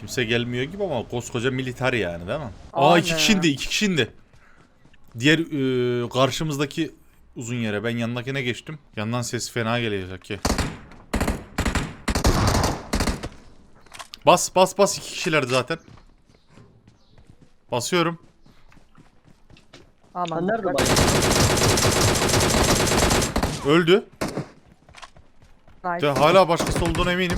Kimse gelmiyor gibi ama koskoca militer yani değil mi? Aynen. İki kişiydi. Diğer karşımızdaki uzun yere ben yanındakine geçtim. Yandan ses fena gelecek ki. Bas 2 kişilerdi zaten. Basıyorum. Aman. Sen nerede dikkat. bak? Öldü. Nice. Hala başkası olduğuna eminim.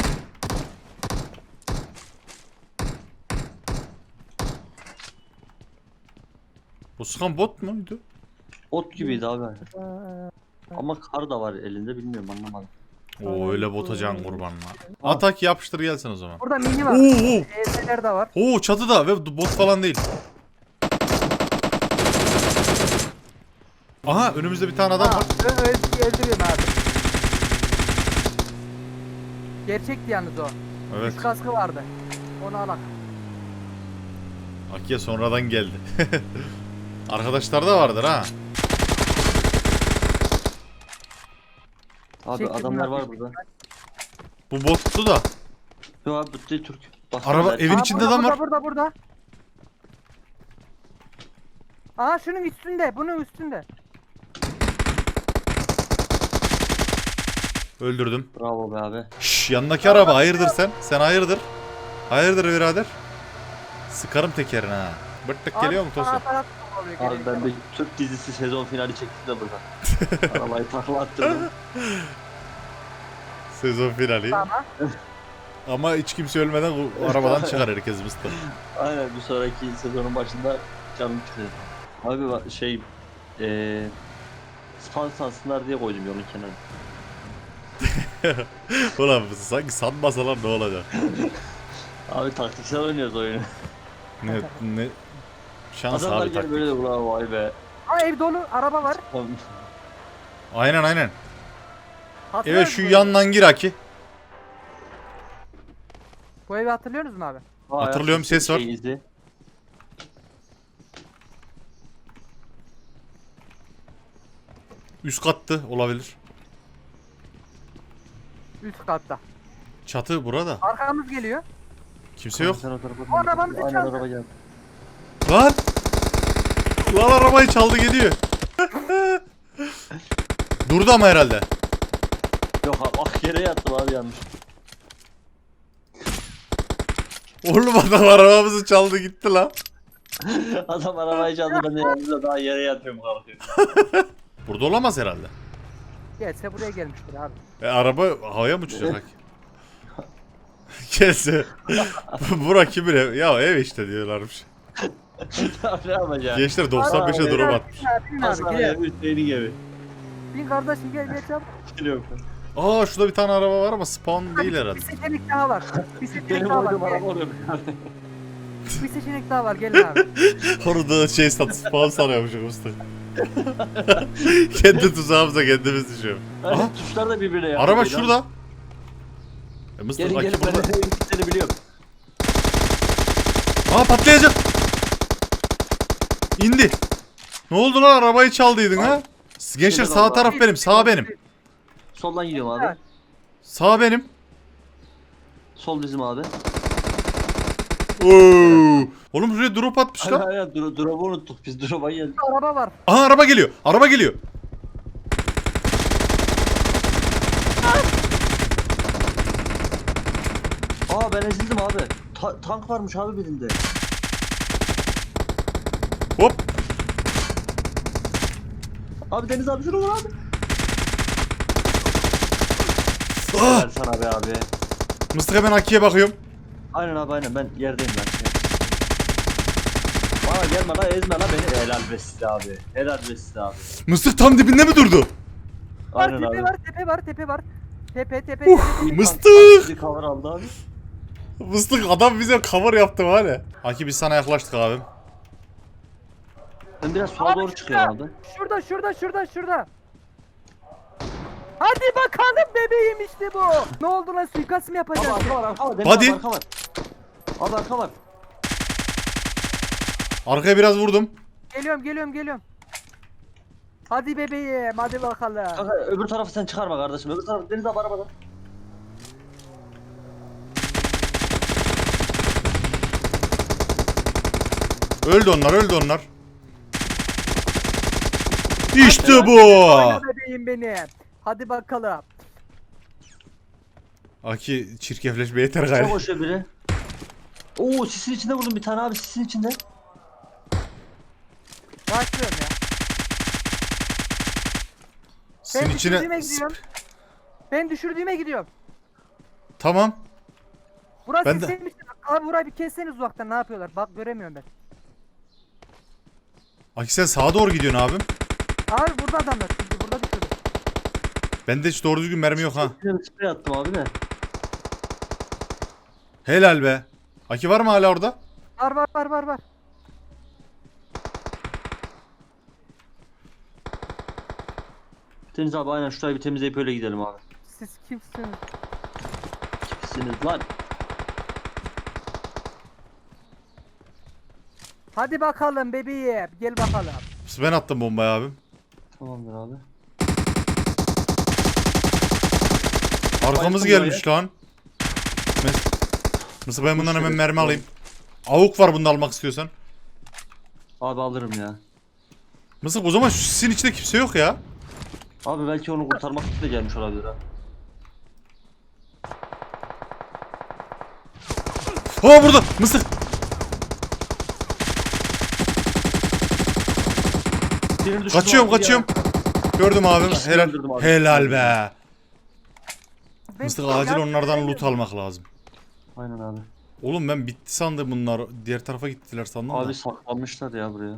Bu sıkan bot muydu? Ot gibiydi abi. Ee, Ama kar da var elinde bilmiyorum anlamadım. Oo öyle bota can kurbanına. Atak yapıştır gelsin o zaman. Burada mini var. Oo. ES'ler de var. Oo çatıda ve bot falan değil. Aha önümüzde bir tane adam var. Öldürüyorum abi. Gerçekti yalnız o. Evet. Üç kaskı vardı. Onu alak. Akiye sonradan geldi. Arkadaşlar da vardır ha. Abi Çektim adamlar abi. var burada. Bu bottu da. Yok abi bu değil Türk. Bak, Araba ben- evin içinde adam var. Burada. Aha şunun üstünde. Bunun üstünde. Öldürdüm. Bravo be abi. Şşş yanındaki araba hayırdır sen? Sen hayırdır? Hayırdır birader? Sıkarım tekerine ha. Bırttık geliyor mu Tosun? Abi ben bir Türk dizisi sezon finali çektim de burada. Arabayı takla attırdım. Sezon finali. Tamam. Ama hiç kimse ölmeden bu arabadan çıkar herkes mıstı. Aynen bir sonraki sezonun başında canım çıkıyor. Abi şey spawn sansınlar diye koydum yolun kenarına. Ulan sanki sanmasalar ne olacak? Abi taktiksel oynuyoruz oyunu. Ne şans Adamlar abi gel taktik. böyle de bravo vay be. Aa ev dolu. Araba var. Aynen. Hatırlıyor Evet şu musun bu evi? yandan gir Aki. Bu evi hatırlıyorsunuz mu abi? Hatırlıyorum, ses var. Izi. Üst kattı olabilir. Üst katta. Çatı burada. Arkamız geliyor. Kimse yok. Sen o tarafa O arabamızı Aynen çaldı. araba geldi. Lan! Lan arabayı çaldı gidiyor. Durdu ama herhalde. Yok abi bak yere yattım abi yanlış. Oğlum adam arabamızı çaldı gitti lan. Adam arabayı çaldı ben de yanımda daha yere yatıyorum kalkıyorum. Burada olamaz herhalde. Gelse buraya gelmiştir abi. Araba havaya mı uçacak? Gelse. Bura kimin ev? Ya ev işte diyorlarmış. ne yapacağım? Gençler 95'e Aa, drop Bin atmış. abi, bin abi, Hasan gel. abi Hüseyin'in gibi. Bin kardeşim gel çabuk. Geliyorum. Aa şurada bir tane araba var ama spawn değil herhalde. Bir seçenek daha var. Bir seçenek Benim daha var. oynadığım Gel. araba oluyor. Bir seçenek daha var. Gelin abi. Orada şey spawn sanıyormuşum usta. Kendi tuzağımıza kendimiz düşüyor. Aha Hani tuşlar da birbirine yakın. araba değil lan. şurada. Mısır Gelin Aki gelin ben burada. de gittiklerini biliyorum. Aa patlayacak. İndi. Ne oldu lan arabayı çaldıydın ha? Gençler sağ taraf benim, sağ benim. Soldan gidiyorum abi. Sağ benim. Sol bizim abi. Oo. Oğlum buraya drop atmışlar. Hayır hayır drop'u unuttuk biz drop'a geldik. Araba var. Aha araba geliyor. Araba geliyor. Aa ben ezildim abi. Tank varmış abi birinde. Hop. Abi Deniz abi şunu vur abi. Ah. Gel sana be abi. Mıstık hemen Aki'ye bakıyorum. Aynen abi aynen ben yerdeyim ben. Bana gelme la ezme la beni. Helal be size abi. Helal be size abi. Mıstık tam dibinde mi durdu? Var, Aynen tepe abi. var, tepe var, tepe var. Tepe. Mıstık. Bizi cover aldı abi. Mıstık adam bize cover yaptı var ya. Aki biz sana yaklaştık abim. Ben biraz sola doğru çıkıyorum abi. Şurada. Hadi bakalım bebeğim işte bu. Ne oldu lan suikast mı Abi yapacağız? arka var arka var. Deniz Hadi. abi arka var. Abi arka var. Arkaya biraz vurdum. Geliyorum. Hadi bebeğim hadi bakalım. Kanka öbür tarafı sen çıkarma kardeşim. Öbür tarafı Deniz abi arabada. Öldü onlar, öldü onlar. İşte bu. Oyna bebeğim benim. Hadi bakalım. Aki çirkefleşme yeter Çok gayrı. hoş biri. Oo sisin içinde vurdum bir tane abi sisin içinde. Başlıyorum ya. Sizin Ben içine... düşürdüğüme gidiyorum. Ben düşürdüğüme gidiyorum. Tamam. Burası Ben de- istemiştim. Abi burayı bir kesseniz uzaktan ne yapıyorlar? Bak göremiyorum ben. Aki sen sağa doğru gidiyorsun abim. Abi burada adamlar. Çünkü burada düşürdüm. Bende hiç doğru düzgün mermi yok ha. Bir sprey attım abi de. Helal be. Aki var mı hala orada? Var. Deniz abi aynen şurayı bir temizleyip öyle gidelim abi. Siz kimsiniz? Kimsiniz lan? Hadi bakalım bebeğim. Gel bakalım. Ben attım bombayı abim. Tamamdır abi. Arkamız Bayıldım gelmiş lan. Mısır ben bundan hemen mermi alayım. Avuk var bunu da almak istiyorsan. Abi alırım ya. Mısır o zaman şu sisin içinde kimse yok ya. Abi belki onu kurtarmak için de gelmiş olabilir ha. Ha burada Mısır. Birini düşürdüm Kaçıyorum abi kaçıyorum. Gördüm abim. İkisini Helal. öldürdüm abi. Helal be. Ben- Mısır acil onlardan loot almak lazım. Aynen abi. Oğlum ben bitti sandım bunlar. Diğer tarafa gittiler sandım Abi da. saklanmışlar ya buraya.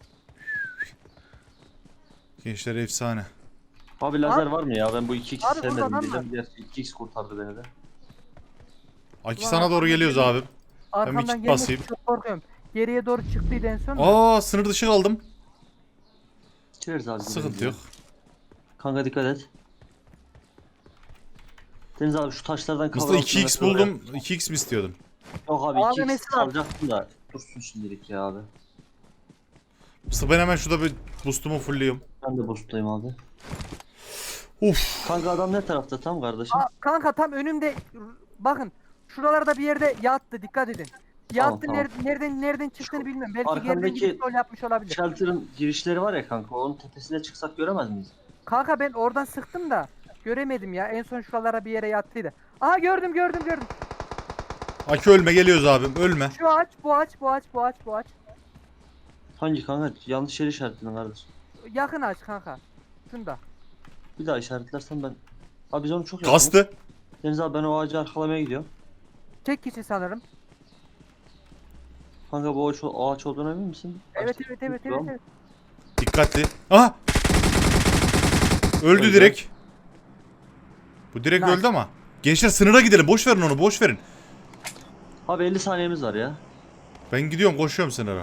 Gençler efsane. Abi lazer Abi- var mı ya? Ben bu 2x Abi burada sevmedim adam diyeceğim. Gerçi 2x kurtardı beni de. Aki Ulan sana doğru geliyoruz abim. Arkamdan kit gelmek basayım. çok korkuyorum. Geriye doğru çıktıydı en son. Aa sınır dışı kaldım. Çeviririz abi. Sıkıntı gidelim yok. ya. Kanka dikkat et. Deniz abi şu taşlardan Mısır 2x buldum. 2x mi istiyordum? Yok abi Abi 2x mesela- alacaktım da dursun şimdilik ya abi. Mısır ben hemen şurada bir boost'umu fullliyorum. Ben de boost'tayım abi. Uf. Kanka adam ne tarafta tam kardeşim? Kanka tam önümde bakın şuralarda bir yerde yattı dikkat edin. Yattı Tamam. nereden çıktığını bilmiyorum. Belki arkandaki- geriden gidip rol yapmış olabilir. Shelter'ın girişleri var ya kanka onun tepesine çıksak göremez miyiz? Kanka ben oradan sıktım da göremedim ya. En son şuralara bir yere yattıydı. Aha gördüm. Aki ölme geliyoruz abim ölme. Şu ağaç, bu ağaç. Hangi kanka? Yanlış yeri işaretledin kardeşim. Yakın ağaç kanka. Şunda. Bir daha işaretlersen ben... Abi biz onu çok yakınız. Kastı. Deniz abi ben o ağacı arkalamaya gidiyorum. Tek kişi sanırım. Kanka bu ağaç olduğuna emin misin? Evet. Tamam. Dikkatli. Aha. Öldü Öldü. direkt. Bu direkt Nice. öldü ama. Gençler sınıra gidelim. Boş verin onu. Boş verin. Abi 50 saniyemiz var ya. Ben gidiyorum koşuyorum sınıra.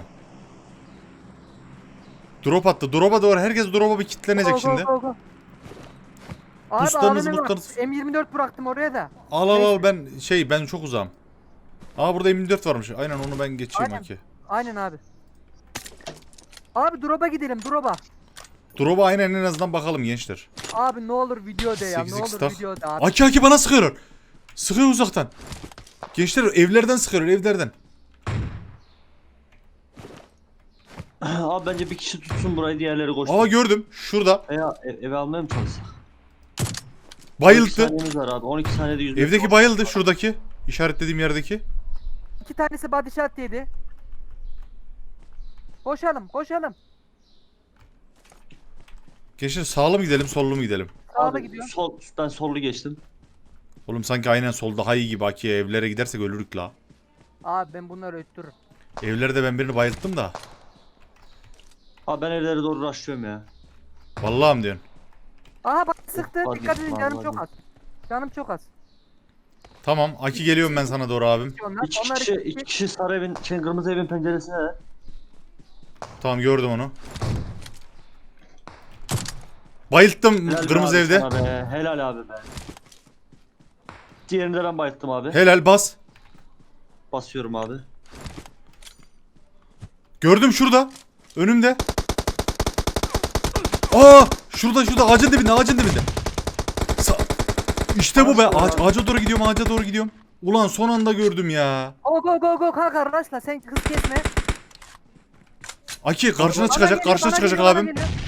Drop attı. Drop'a doğru. Herkes drop'a bir kitlenecek şimdi. Go. Abi Boostlarınız, AVM var. boostlarınız. M24 bıraktım oraya da. Al ben çok uzağım. Aa burada M24 varmış. Aynen onu ben geçeyim Aynen. Aki. Aynen abi. Abi drop'a gidelim drop'a. Drop'a aynen en azından bakalım gençler. Abi ne olur video de ya. Ne 8x olur staff. video de abi. Aki bana sıkıyorlar. Sıkıyor uzaktan. Gençler evlerden sıkıyorlar evlerden. Abi bence bir kişi tutsun burayı diğerleri koşsun. Aa gördüm. Şurada. Veya eve almaya mı çalışsak? 12 Bayıldı. saniyemiz var abi. 12 saniyede 100 metre Evdeki var. bayıldı şuradaki. İşaretlediğim yerdeki. 2 tanesi body shot yedi. Koşalım. Gençler sağlı mı gidelim sollu mu gidelim? Sağda Abi, gidiyor. ben sollu geçtim. Oğlum sanki aynen sol daha iyi gibi Aki. Evlere gidersek ölürük la. Abi ben bunları öttürürüm. Evlerde ben birini bayılttım da. Abi ben evlere doğru rushlıyorum ya. Vallahi mi diyorsun? Aha bak sıktı. Body, Dikkat edin canım body. çok az. Canım çok az. Tamam Aki geliyorum ben sana doğru abim. Onlar, onlar İki kişi sarı evin, kırmızı evin penceresine de. Tamam gördüm onu. Bayılttım Helal be kırmızı abi evde. sana be. Helal abi be. Diğerini de ben bayılttım abi. Helal bas. Basıyorum abi. Gördüm şurada. Önümde. Aa şurada ağacın dibinde. İşte bu be. Ağaca doğru gidiyorum. Ulan son anda gördüm ya. Go kanka rushla sen hız kesme. Aki karşına Bana çıkacak, geliyor, karşına bana çıkacak geliyor, bana abim. geliyor.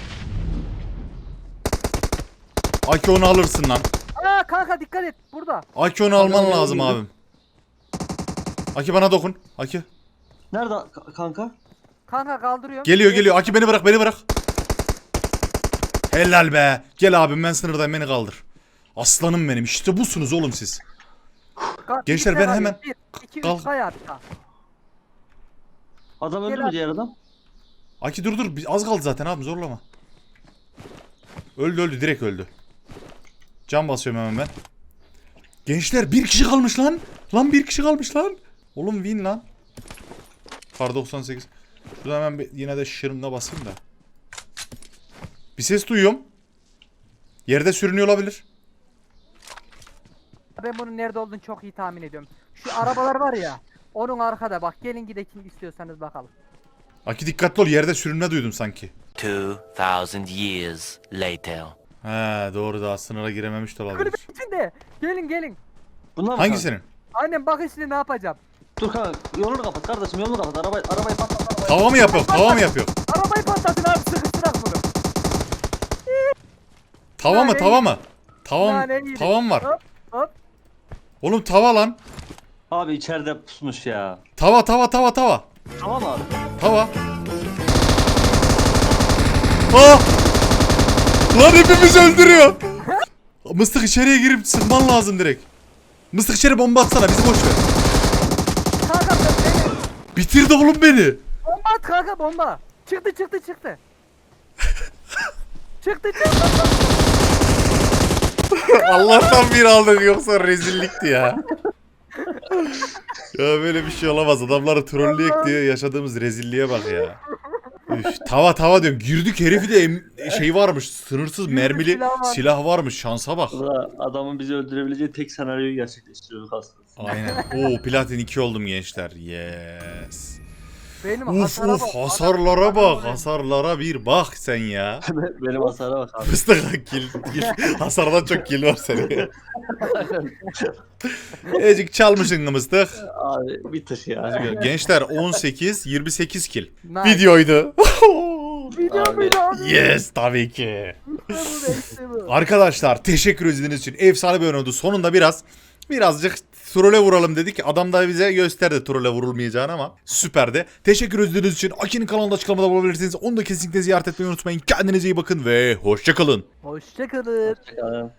Aki onu alırsın lan. Aa kanka dikkat et burada. Aki onu alman Bana lazım geliyor. abim. Aki bana dokun. Aki. Nerede kanka? Kanka kaldırıyorum. Geliyor geliyor. Aki beni bırak, beni bırak. Helal be. Gel abim, ben sınırdayım, beni kaldır. Aslanım benim. İşte busunuz oğlum siz. Gençler, ben hemen 1, 2, kalk. 3 kay hatta. Adam öldü Gel mü abi. diğer adam? Aki dur dur. Az kaldı zaten abim, zorlama. Öldü öldü, direkt öldü. Can basıyorum hemen ben. Gençler, bir kişi kalmış lan. Lan bir kişi kalmış lan. Oğlum win lan. Kar 98. Şurada hemen yine de şırınga basayım da. Bir ses duyuyorum. Yerde sürünüyor olabilir. Ben bunun nerede olduğunu çok iyi tahmin ediyorum. Şu arabalar var ya. Onun arkada bak. Gelin gidelim istiyorsanız bakalım. Aki dikkatli ol, yerde sürünme duydum sanki. 2,000 years later. He doğru, daha sınıra girememiş de olabilir. Kulübün içinde. Gelin gelin. Bunlar mı Hangisinin? Annem bak şimdi ne yapacağım. Dur kanka yolunu kapat kardeşim yolunu kapat. Arabayı patlat arabayı. Tava mı yapıyor? Tava mı yapıyor? Arabayı patlatın abi sıkıştırak bunu. Tava mı? Nane Tava mı? Tavam, Nane yedik. tavam var. Hop hop. Oğlum tava lan. Abi içeride pusmuş ya. Tava tava tava tava. Tamam abi. Tava. Ah! Lan hepimizi öldürüyor. Mıstık içeriye girip sıkman lazım direkt. Mıstık içeri bomba atsana, bizi boş ver. Kanka beni. Bitirdi oğlum beni. Bomba at kanka bomba. Çıktı. çıktı. Allah'tan bir aldık, yoksa rezillikti ya. Ya böyle bir şey olamaz. Adamları trolleyek diye yaşadığımız rezilliğe bak ya. Üf, tava diyorum. Girdik, herifi de şey varmış. Sınırsız mermili silah var. silah varmış. Şansa bak. Burada adamın bizi öldürebileceği tek senaryoyu gerçekleştiriyorduk aslında. Aynen. Oo, platin 2 oldum gençler. Yes. Benim Uf hasara uf, bak. hasarlara bak. Adam- Hasarlara bir bak sen ya. Benim hasara bak abi. Fıstık kill. Hasardan çok kill var senin. Ecik çalmışsın mıstık. Abi bitir ya. Gençler 18 28 kill. Nice. Videoydu. Video Abi. muydu abi? Yes tabii ki. İşte bu. Arkadaşlar teşekkür ediniz için efsane bir oyun oldu. Sonunda birazcık trole vuralım dedik. Adam da bize gösterdi trole vurulmayacağını, ama süperdi. Teşekkür ediniz için Aki'nin kanalında açıklamada bulabilirsiniz. Onu da kesinlikle ziyaret etmeyi unutmayın. Kendinize iyi bakın ve hoşça kalın. Hoşçakalın. Hoşçakalın.